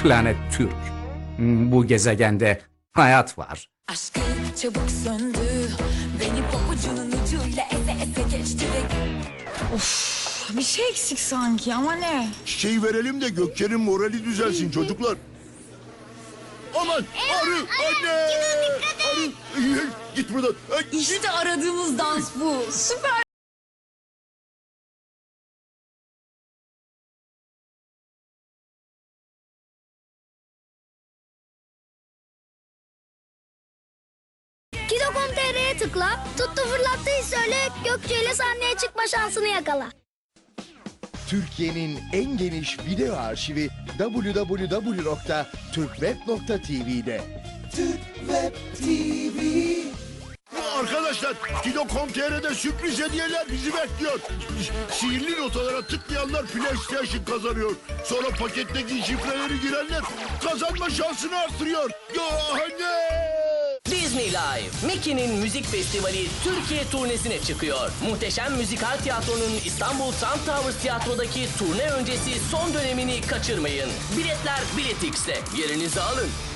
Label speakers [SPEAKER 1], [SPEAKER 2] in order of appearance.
[SPEAKER 1] Planet Türk. Bu gezegende hayat var.
[SPEAKER 2] Aşkı çabuk söndü. Beni pabucunun ucuyla eze eze geçti ve...
[SPEAKER 3] Bir şey eksik sanki ama ne?
[SPEAKER 4] Çiçeği verelim de Gökçe'nin morali düzelsin çocuklar. Aman arı anne. Arı git buradan.
[SPEAKER 3] İşte aradığımız dans bu. Süper.
[SPEAKER 5] Kido.com.tr'ye tıkla, tuttu fırlattıyı söyle, Gökçe ile sahneye çıkma şansını yakala.
[SPEAKER 6] Türkiye'nin en geniş video arşivi www.turkweb.tv'de.
[SPEAKER 4] Arkadaşlar Kido.com.tr'de sürpriz hediyeler bizi bekliyor. Sihirli notalara tıklayanlar PlayStation kazanıyor. Sonra paketteki şifreleri girenler kazanma şansını artırıyor. Ya anne!
[SPEAKER 7] Disney Live, Mickey'nin müzik festivali Türkiye turnesine çıkıyor. Muhteşem Müzikal Tiyatro'nun İstanbul Trump Towers Tiyatro'daki turne öncesi son dönemini kaçırmayın. Biletler Biletix'te. Yerinizi alın.